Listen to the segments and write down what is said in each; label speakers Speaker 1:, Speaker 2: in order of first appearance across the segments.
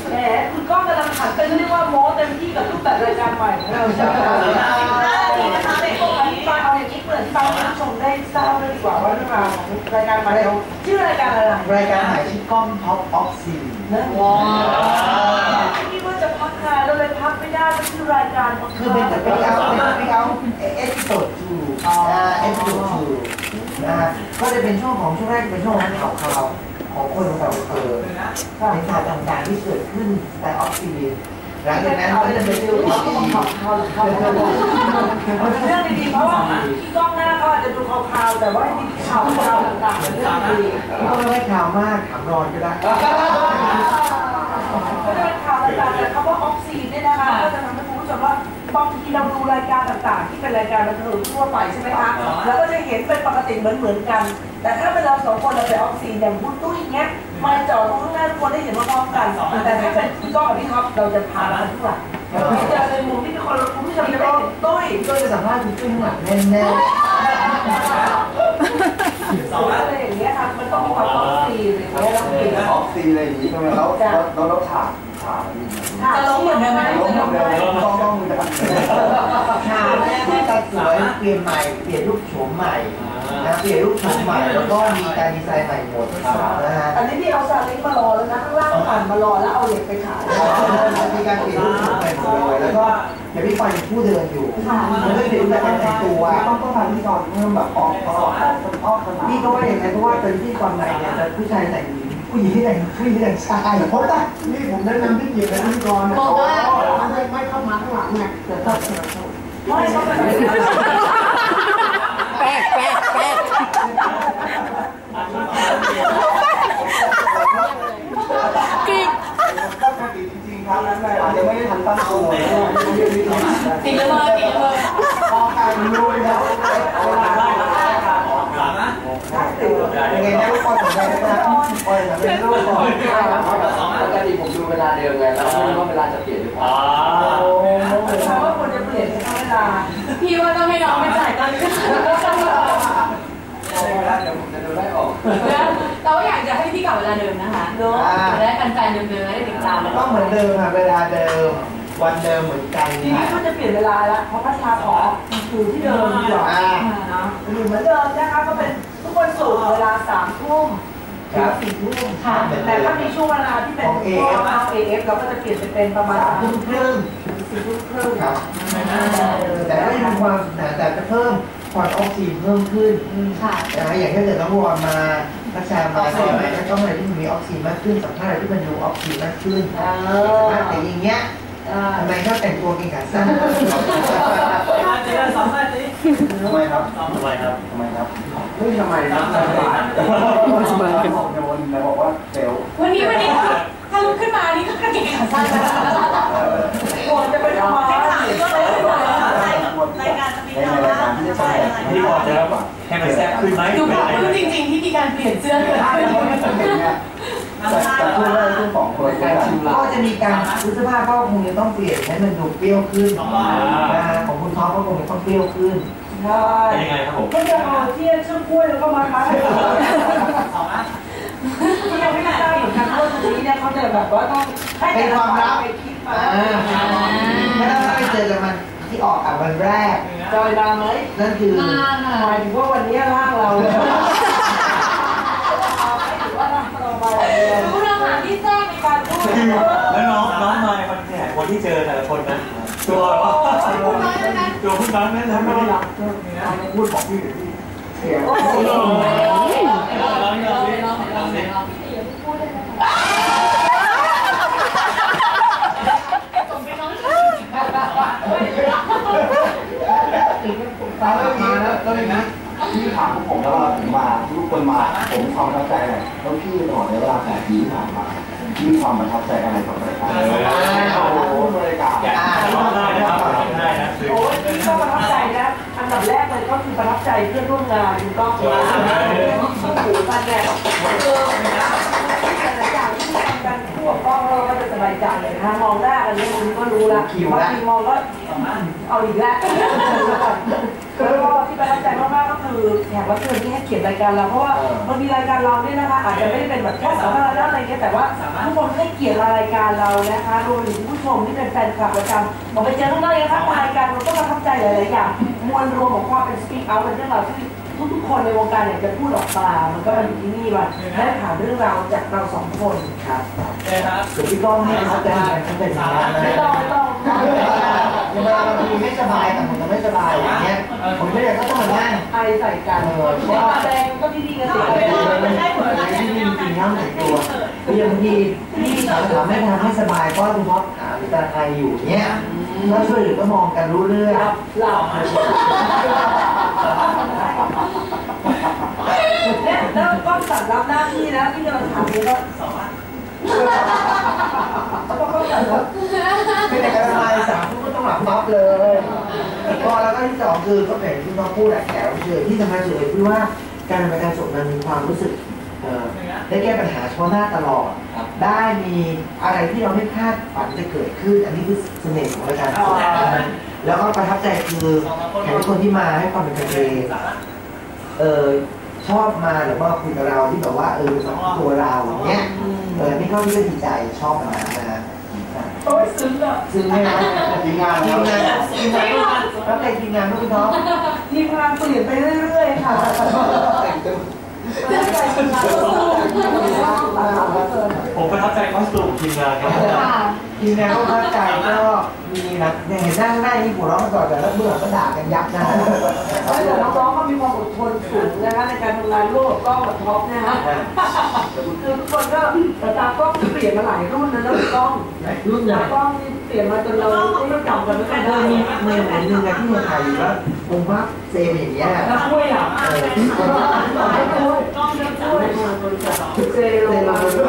Speaker 1: แหมคุณก้องกำลังขันเป็นเรียกว่าโม้เต็มที่กับรูปแบบรายการใหม่ของเราใช่ไหมดีนะคะเด็กพวกนี้มาเอาอย่างนี้เปิดฟังผู้ชมได้ทราบด้วยดีกว่าว่าเรื่องราวของรายการใหม่เราชื่อรายการอะไร
Speaker 2: รายการใหม่ชื่อกล้องท็อปออฟซี
Speaker 1: นะว้าวคิดว่าจะพักงานเราเลยพักไม่ได้ก็คือรายการ
Speaker 2: คือเป็นแต่ไม่เอาเอพิโซด2เอพิโซด2นะฮะก็จะเป็นช่วงช่วงแรกเป็นช่วงข่าวของคนเราเป็นข่าวต่างๆที่เกิดขึ้นในออฟซีหลังจากนั้นก็จะเป็นเรื่อง
Speaker 1: เรื่องดีๆเพราะว่าที่กล้องหน้าก็อาจจะดูข่าวแต่ว่าที่ข่าวต่างๆเรื่องดี
Speaker 2: ก็ไม่ข่าวมากถามนอนก็ได้
Speaker 1: ก็จะเป็นข่าวต่างๆแต่คำว่าออกซีเนี่ยนะคะก็จะทำให้คุณผู้ชมว่าบางทีเราดูรายการต่างๆที่เป็นรายการบันเทิงทั่วไปใช่ไหมคะแล้วก็จะเห็นเป็นปกติเหมือนกันแต่ถ้าเป็นเราสองคนเราไปออกซีอย่างคุณตุ้ยอย่างเงี้ยมาจอดตรงข้างหน้าทุกคนได้เห็นว่าพร้อมกันแต่ถ้าเป็นพี่ก้องกับพี่ท็อปเราจะพากันทุกหลังเจอในมุมที่เป็นคนคุณผู้ชมจะได้เห็นตุ้ย
Speaker 2: จะสัมภาษณ์คุณตุ้ยข้างหลังแน่
Speaker 1: ๆอะไรอย่างเงี้ยค่ะมันต้องมีความออกซีเลย
Speaker 3: เนี่ยออกซีอะไรอย่างนี้ใช่ไหมแล้วฉาก
Speaker 1: จะล้มเหมือนกันไหม
Speaker 3: ต้องมีแบบ
Speaker 2: ฉากแรกที่จะสวยเปลี่ยนใหม่เปลี่ยนรูปโฉมใหม่นะเปลี่ยนรูปโฉมใหม่แล้วก็มีการดีไซน์ใหม่หมดนะฮะ
Speaker 1: อันนี้ที่เอาซาเล้งมารอแล้วนะข้างล่างผ่านมารอแล้วเอาเหล็กไปขาย
Speaker 2: มีการเปลี่ยนรูปโฉมใหม่หมดเลยแล้วก็เดี๋ยวพี่ปอยเป็นผู้เดินอยู่มันก็เปลี่ยนแบบแต่งตัว
Speaker 3: ต้องทำที่ก่อนเพิ่มแบบออก
Speaker 2: พี่ก็ว่าอย่างไรเพราะว่าเป็นที่ก่อนใหม่เนี่ยจะผู้ชายแต่งหญิงผู้หญิงที่แต่งชาย
Speaker 3: เพราะว่านี่ผมแนะนำที่เกียรติพิธีกร
Speaker 4: บอกว่าไม่เข้ามาข้างหลังไงแต่ถ้า
Speaker 1: ไม่เข้ามา
Speaker 4: แป๊กกิ๊ก
Speaker 3: จริงๆครับอาจจะไม่ได้ทันตั้งตัว
Speaker 4: ติดเลย
Speaker 3: พอการรู้แล้ว
Speaker 2: ยังไงนะลูกบอลสนใจนะครับบอลจะเป็นลูกบอล
Speaker 5: ปกติผมดูเวลาเดิมไงแล้วไม่รู้ว่าเวลาจะเปลี่ยนหรือเปล่า
Speaker 1: เพราะว่าคนจะเปลี่ยนเวลา
Speaker 4: พี่ว่าต้องให้น้องไปจ่ายตังค์
Speaker 5: เดี๋ยวผมจะดูได้ออก
Speaker 4: เราอยากจะให้พี่กลับเวลาเดิมนะคะจะได้แฟนๆเดิมๆได้ติดตาม
Speaker 2: ก็เหมือนเดิมค่ะเวลาเดิมวันเดิมเหมือนกัน
Speaker 1: ทีนี้ก็จะเปลี่ยนเวลาแล้วเพราะพัชชาขออยู่ที่เดิมดีกว่าอยู่เหมือนเดิมนะคะก็เป็นทุกวันศุกร์เวลา3 ทุ่มถึง4 ทุ่มค่ะแต่ถ้ามีช่วงเวลาที่เป็นพวกAF เราก็จะเปลี่ยนไปเป็นประมาณ3 ทุ่มครึ่งถึง4 ทุ่มครึ่ง
Speaker 2: ครับแต่ก็ยังมีความแต่จะเพิ่มความออกซิเจนเพิ่มขึ้น
Speaker 4: ค่ะ
Speaker 2: อย่างถ้าเกิดน้องวอนมานักชามาใช่ไหมก็ต้องอะไรที่มีออกซิเจนมากขึ้นสัมภาษณ์อะไรที่มันดูออกซิเจนมากขึ้นแต่อย่างเงี้ยทำไมเขาแต่งตัวกินขาสั้น
Speaker 3: ทำไมครับเฮ้ยทำไมครับโดนบอกว่าเซล
Speaker 4: วันนี้ถ้าลุกขึ้นมานี่ก็กระเกงขาสั้น
Speaker 1: โอนจะไปทำไม
Speaker 4: รายการจะมีการบ้าน
Speaker 5: ที่พอจะให้มันแซ่บขึ้นไหม
Speaker 4: ดูแบบรู้จริงๆที่มีการเปลี่ยนเสื้อเลย
Speaker 3: แต่พูดเรื่องของคน
Speaker 2: ก็จะมีการเสื้อผ้าก็คงจะต้องเปลี่ยนให้มันดูเปรี้ยวขึ้นของคุณท็อปก็คงจะต้องเปรี้ยวขึ้น
Speaker 1: ใช่
Speaker 5: ยังไงครับผม
Speaker 1: ก็จะเอาเที่ยช่างกล้วยแล้วก็มาคัดให้ที่ยังไม่ได้เหมือนกันเพราะตรงนี้เนี่ยเขาจะแบบว่าต้องให้
Speaker 2: เป็นความลับ
Speaker 1: ไปคิดมา
Speaker 2: ไม่ต้องไปเจอกันมันที่ออกวันแรก
Speaker 1: จอยมาไหม
Speaker 2: นั่นคือ
Speaker 1: หมายถึงว่าวันนี้ร่างเรา
Speaker 4: รู้เรื่องหาที่แจ้งในการพูด
Speaker 5: แล้วน้องมาในคอนแทคคนที่เจอแต่ละคนนะตัว
Speaker 4: พูดน้อยนะ
Speaker 5: ตัวพูดน้อยนั่นนะไม่ได้รับ
Speaker 3: พูดของพี่เสียงแล้วเลยนะพี่ถามผมแล้วว่าผมมาทุกคนมาผมมีความประทับใจอะไรแล้วพี่ตลอดในเวลา8 ปีที่ผ่านมาพี่มีความประทับใจอะไรกับรายการรายการ
Speaker 5: ได้นะครับได้นะ
Speaker 1: โอ้ยพี่ก็ประทับใจนะอันดับแรกเลยก็คือประทับใจเพื่อนร่วมงานคุณก้องมาหูกันแดดแต่ละอย่างที่ทำกันคู่กับก้องเราก็จะสบายใจเลยนะมองหน้ากันนี่คุณก็รู้ละบางทีมองก็เอาอีกแล้วแล้วก็ที่ประทับใจมากๆก็คือแขกรับเชิญที่ให้เกียรติรายการเราเพราะว่าบางทีรายการเราเนี่ยนะคะอาจจะไม่ได้เป็นแบบแค่สาธารณะอะไรเงี้ยแต่ว่าทุกคนให้เกียรติรายการเรานะคะรวมถึงผู้ชมที่เป็นแฟนคลับประจำบอกไปเจอข้างนอกนะคะรายการเราก็ประทับใจหลายๆอย่างมวลรวมของความเป็น speak out เป็นเรื่องราวที่ทุกๆคนในวงการอยากจะพูดออกมามันก็มาอยู่ที่นี่ว่าได้ผ่านเรื่องราวจากเราสองคนครับ
Speaker 2: ส่วนพี่ก้องเนี่ยเขาเป็นอย่างนั้นนะ
Speaker 1: ไม่ต้อง
Speaker 2: เวลาบางทีไม่สบายแต่ผมจะไม่สบายอย่างเงี้ยผมไม่ได้ก็ต้องมานั่ง
Speaker 1: ไอใส่กันตาแดงก็ดีๆกันสิ
Speaker 2: ที่จริงๆน้ำแต่งตัวคืออย่างบางทีที่สาวๆไม่ทำให้สบายก็คุณพ่อหาหรือตาใครอยู่เงี้ยก็ช่วยเหลือก็มองกันรู้เรื่อง
Speaker 1: หลับเนี่ยแล้วก็สั่งรับหน้าที่นะที่เราถามนี้ก็ก็สั่งรับ
Speaker 2: ไม่แต่การสบายสามก็ต้องหลับปั๊บเลยก็แล้วก็ที่สองคือก็เป็นที่น้องพูดแขกรับเชิญที่สำคัญสุดเลยคือว่าการทำรายการสดมันมีความรู้สึกได้แก้ปัญหาเฉพาะหน้าตลอดได้มีอะไรที่เราไม่คาดฝันจะเกิดขึ้นอันนี้คือเสน่ห์ของรายการสดแล้วก็ประทับใจคือแขกทุกคนที่มาให้ความเป็นกันเองชอบมาหรือว่าคุยกับเราที่แบบว่าตัวเราอย่างเงี้ยนี่ก็ที่ดีใจชอบมานะ
Speaker 1: โอ้ยซึ้งอ่ะ
Speaker 2: ซึ่งไม่นะทีมงานแล้วแต่ทีมงานพี่น้อง
Speaker 1: ทีมงานเปลี่ยนไปเรื่อยๆค่ะ
Speaker 6: ผมประทับใจคอสตูมทีมงานครับ
Speaker 2: ทีมงานก็ประทับใจก็มีนะอย่างเห็นนั่งหน้านี่หัวเราะกันก่อนแต่แล้วเบื่อก็ด่ากันยับนะ
Speaker 1: แต่น้องๆก็มีความอดทนสูงนะคะในการทำงานร่วมกับกล้องกับท็อปนะฮะคือทุกคนก็ตากล้องเปลี่ยนมาหลายรุ่นนะแล้วกล้องกล้องนี่เปลี่ยนมาจนเราไม่จำกันไม่ได้
Speaker 2: มีเมย์หนึ่งที่เมืองไทยอยู่แล้วผมว่าเซมอย่างเงี้ย
Speaker 1: แล้วช่วยอ่ะกล้องจะช่วยเซลล์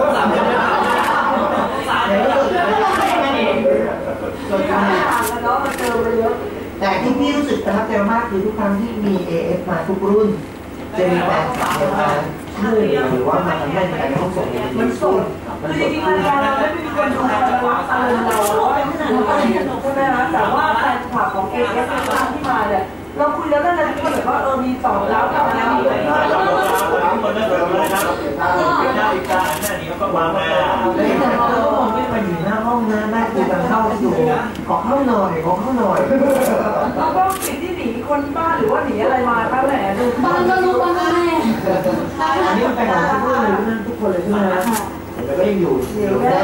Speaker 2: แต่ที่พี่รู้สึกประทับใจมากคือทุกครั้งที่มี AF มาทุกรุ่นจะมีแฟนคลับมาชื่อหรือว่ามาทำให้การท่องส่ง
Speaker 1: มันสดคือจริงๆรายการเราไม่มีคนดูเรารักอารมณ์เราเป็นขนาดเราใช่ไหมคะแต่ว่าแฟนคลับของ AF ที่มาเนี่ยเราคุยแล้วนั่นแหละที่แบบว่ามีตอบแล้วทำงานมีเลย
Speaker 6: คนนั้นเลยนะครับหน้าอีกตาหน้านี้ก็วางมา
Speaker 2: เลยแต่เราก็มองไม่มาอยู่หน้าห้องนะแม่คุยกันเข้าอยู่ขอเข้าหน่อย
Speaker 1: เราก็ปิดที่หนีคนบ้านหรือว่าหนีอะไรมาครับแหละดู
Speaker 4: บ้านก็รู้บ้านแม่
Speaker 2: อันนี้มันเป็นของทุกคนเลยทุกคนเลยใช่ไหมแล้วก็ยังอยู่ได้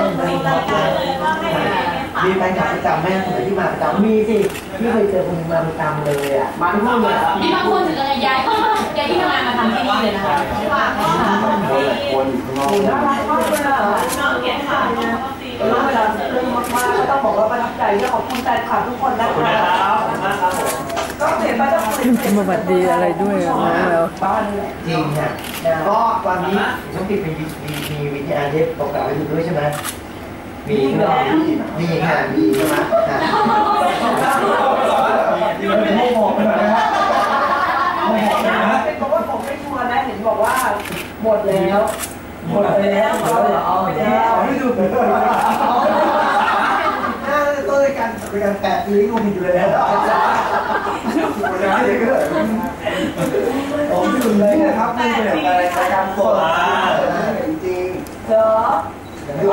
Speaker 2: มีแฟนคลับประจำแม่สมัยที่มาประจำมีสิที่เคยเจอคนมาประจำเลยอ่ะ
Speaker 4: มาทุกคนเลยมีบางคนถึงจะย้ายที่ทำงานมาทำที่นี่เลยนะคะ
Speaker 3: คนอยู่ข้างนอก
Speaker 1: น่ารักมากเลยอ่ะน้องเขียนข่าวเรื่องเวลาเรื่องมากๆก็ต้องบอกว่าประทับใจและขอบคุณแฟนคลับทุกคนนะครับก็เปลี่ยนไปต้องเปลี่ยน
Speaker 7: มาบัดดีอะไรด้วยน้องแล้ว
Speaker 2: จริงค่ะก็ตอนนี้ต้องติดมีวิทยาเทปตกแต่งไปด้วยใช่ไหมมีค่ะมีใช่ไหมเป็นโมโหเป็นอะไรนะ
Speaker 1: เป็นเพราะว่าผมไม่ชัวร์นะเห็นบอกว่าหมดแล้ว
Speaker 2: ไม่ดูเลยต้นรายการแปะปีนี้กูผิดเลยนะผมไม่ดูเลยนะครับนี่เป็นรายการสดจริง
Speaker 1: เหรอ
Speaker 2: ข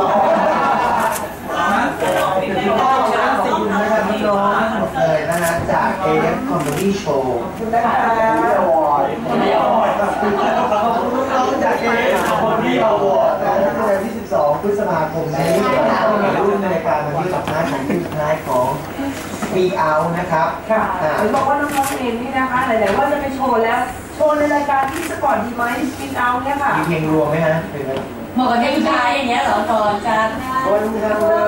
Speaker 2: อบคุณน้องหมดเลยนะฮะจาก AF Comedy Show
Speaker 1: ขอบคุณนะคะ
Speaker 2: อวอร์ดขอบคุณน้องจาก AF Comedy Award ในวันที่12 พฤษภาคมนี้รุ่นในการมาที่สุดท้ายของที่สุดท้ายของ Speak Out นะครับ
Speaker 1: ค่ะบอกว่าน้องๆเองนี่นะคะไหนๆว่าจะไปโชว์แล้วโชว์ในรายการที่สปอร์ตดีไหม Speak Out เนี่ยค่ะ
Speaker 2: มีเพลงรวมไหมฮะ
Speaker 4: เหมาะกับเพลงชายอย่างเงี้ยเหรอก่อนจะ
Speaker 2: คนทำเลย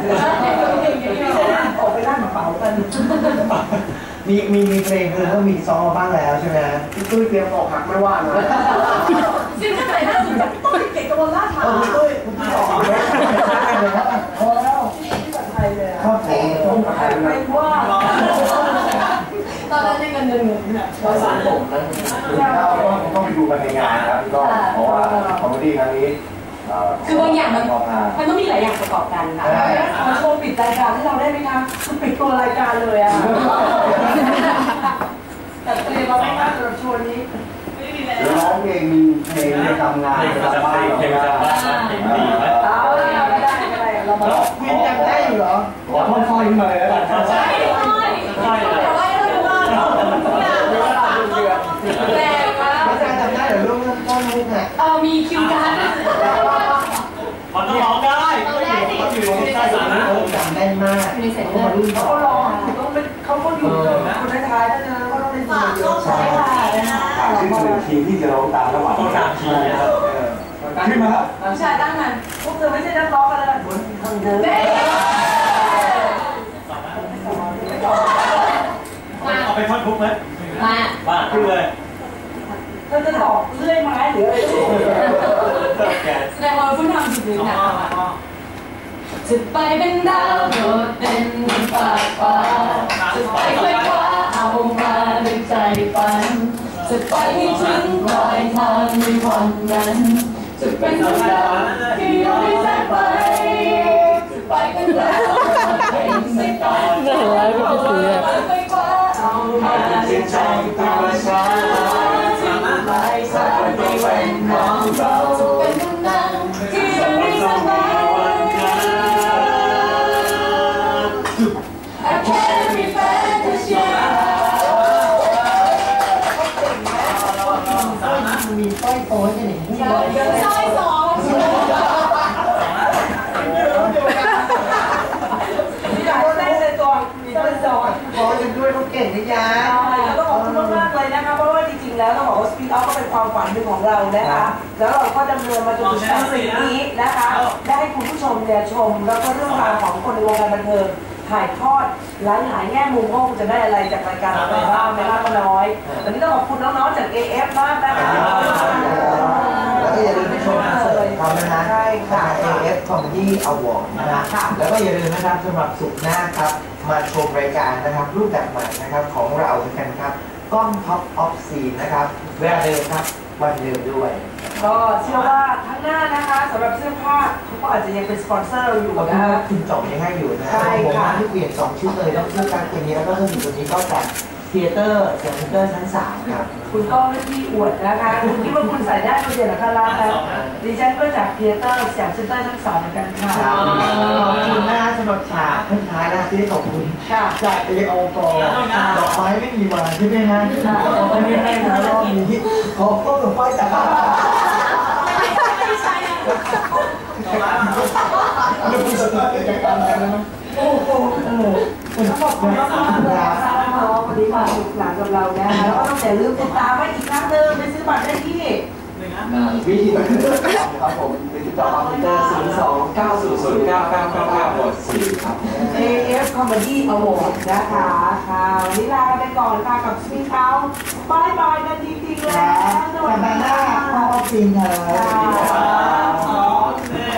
Speaker 1: ออกไปด้านกระเป๋ากัน
Speaker 2: มีเพลงคือก็มีซ้อมมาบ้างแล้วใช่ไหมพี่ตุ้ยเตรียมออกหักไม่ว่านะ
Speaker 1: ซิงเกิลไหนน่าสนใจพี่ตุ้ยเก่งกับวงล่าทาง
Speaker 2: พี่ตุ้ยออกเลย
Speaker 1: พอแล้วที่แบบไทยเลย
Speaker 2: ชอบเพลงต้องไทย
Speaker 1: ไม่ว่า
Speaker 4: ตอนนั้นได้กันเงินเนี่ย
Speaker 3: ภาษาผมนะต้องไปดูกันในงานครับก็เพราะว่าคอมเมดี้ครั้งนี้
Speaker 4: คือบางอย่างมันต้องมีหลายอย่างประกอบกันค่ะ
Speaker 1: มาโชว์ปิดรายการให้เราได้ไหมคะคือปิดตัวรายการเลยอ่ะจัดเตรียมมาไม่มากสำหรับชวนนี้
Speaker 3: แล้วร้องเพลงมีเพลงในทำงาน
Speaker 6: เพลงประจำบ้านเพลงประจำบ้านเพลงดีไหม
Speaker 1: ไม่ได้ไม่ได้เรามา
Speaker 2: วินจำได้อยู่เหรอ
Speaker 3: ขอท่อนสร้อยขึ้นมาเลยแล้วกัน
Speaker 4: ใช่ใช่เดี๋ยวไล่เราดูว่าทุกอย่างแรงมาก
Speaker 2: ไม่จำได้เหรอลูกต้นมุกเนี่ย
Speaker 4: มีคิวการ์ด
Speaker 6: มันต้องร้องได้ก็อยู่ในใต้สารนะ
Speaker 2: จำได้มากเขามารุ่นต่อ
Speaker 1: เขาร้องต้องเป็นเขาก็อยู่คนท้ายๆถ้าเจอก็ต้องเป็นคนเดียว
Speaker 2: ใช่ค่ะ
Speaker 3: ถามชื่อหนึ่งทีมที่จะร้องตามระหว่าง
Speaker 6: ต้องตามทีนะครับ
Speaker 3: ขึ้นมาครับ
Speaker 4: ผู้ชายตั้งมัน
Speaker 1: พวกเธอไม่ใช่นักร้องกันเลยบนทางเดิน
Speaker 6: เอาไปท่อนทุกไหม
Speaker 4: มา
Speaker 6: บ้าขึ้นเลย
Speaker 1: เธอจะตอกเลื่อยไม้หรืออะไร
Speaker 4: แสดงว่าคุณทำสุดเลยนะจะไปเป็นดาวโดดเด่นบนฟ้าฟ้าจะไปไกลกว่าเอามาด้วยใจฝันจะไปให้ถึงปลายทางในวันนั้นจะเป็นดาวที่อยู่ในสายไฟจะไปกันแล้วเป็นสายตา
Speaker 7: น่ารักก็เสีย
Speaker 4: ไปกว่าเอามาด้วยใจตัวฉันที่ปลายทางในวันของเราจะเป็นคนนั้นที่อยู่ในสายไฟI can't be fantasy
Speaker 2: มีสร้อยโต้ใช่ไหม
Speaker 4: ซอยสอง
Speaker 1: มีอยากได้ในตัวมีต้นจอน
Speaker 2: ขอจะด้วยเขาเก่งนะยะ
Speaker 1: ต้องขอบคุณมากๆเลยนะคะเพราะว่าจริงๆแล้วต้องบอกว่าสปีดออฟก็เป็นความฝันหนึ่งของเรานะคะแล้วเราก็ดำเนินมาจนถึงสิ่งนี้นะคะได้ให้คุณผู้ชมเนี่ยชมแล้วก็เรื่องราวของคนในวงการบันเทิงถ่ายทอดหลายๆแง่มุมว่าคุณจะได้อะไรจากรายการอะไรบ้างไม่มากก็น้อยวันนี้ต้องขอบคุณน้องๆจาก AF มากนะคะ
Speaker 2: แล้วก็อย่าลืมไปชมคอนเสิร์ตเขานะฮะ
Speaker 1: ใช่ค่ะ
Speaker 2: AF Comedy Award นะฮะแล้วก็อย่าลืมนะครับสำหรับศุกร์หน้าครับมาชมรายการนะครับรูปแบบใหม่นะครับของเราเหมือนกันครับกล้อง Top of Scene นะครับเวลาเดิมครับวันเดิมด้วย
Speaker 1: ก็เชื่อว่าทั้งหน้านะคะสำหรับเสื้อผ้าเขาก็อาจจะยังเป็นสปอนเซอร์เราอยู่
Speaker 2: เรา
Speaker 1: นะ
Speaker 2: พูด
Speaker 1: คะ
Speaker 2: ว่าคุณจ่องยังให้อยู่นะ
Speaker 1: ใช่ค่ะ
Speaker 2: ผมที่เปลี่ยน2ชุดเลยแล้วเสื้อการเกมนี้แล้วก็เสื้อสีตัวนี้ก็จากเทเตอร์จากเทเตอร์ชั้น3ครับ
Speaker 1: คุณก็ไม่ที่อวดนะคะคุณคิดว่าคุณใส่ได้ตัวเดียวหรือคะล่ะคะดิฉันก็จากเทเตอร์จากเซ็นเตอร์ทั้งสองเหมือนกันค่ะ
Speaker 2: ขอบคุณนะสำหรับฉากท้ายนะที่ได้ขอบคุณ
Speaker 1: ค่ะ
Speaker 2: จากเอโอกดอกไม้ไม่มีมาใช่ไหมฮะไม่ได้นะรอบนี้ขอต้นดอกไม้จากบ้าน
Speaker 4: ไม่ใช่
Speaker 2: เรื่องสนุกในการทำงานนะโอ้โห
Speaker 1: ขอบคุณมากๆเลยนะคะน้องวันนี้มาสนุกสนานกับเรานะคะแล้วก็ต้องอย่าลืมติดตามไว้อีกครั้งหนึ่งไปซื้อบัตรได้ที่
Speaker 3: วิธีการครับผมติดต่อคอมพิวเตอร์02-900-9999-4ครับ
Speaker 1: AF Comedy Award นะคะค่ะวันนี้ลาไปก่อนค่ะกับสปีดเอาบายบายกันจริงๆแล้ว
Speaker 2: สัปดาห์หน้าขอบคุณครับ
Speaker 1: ค่ะ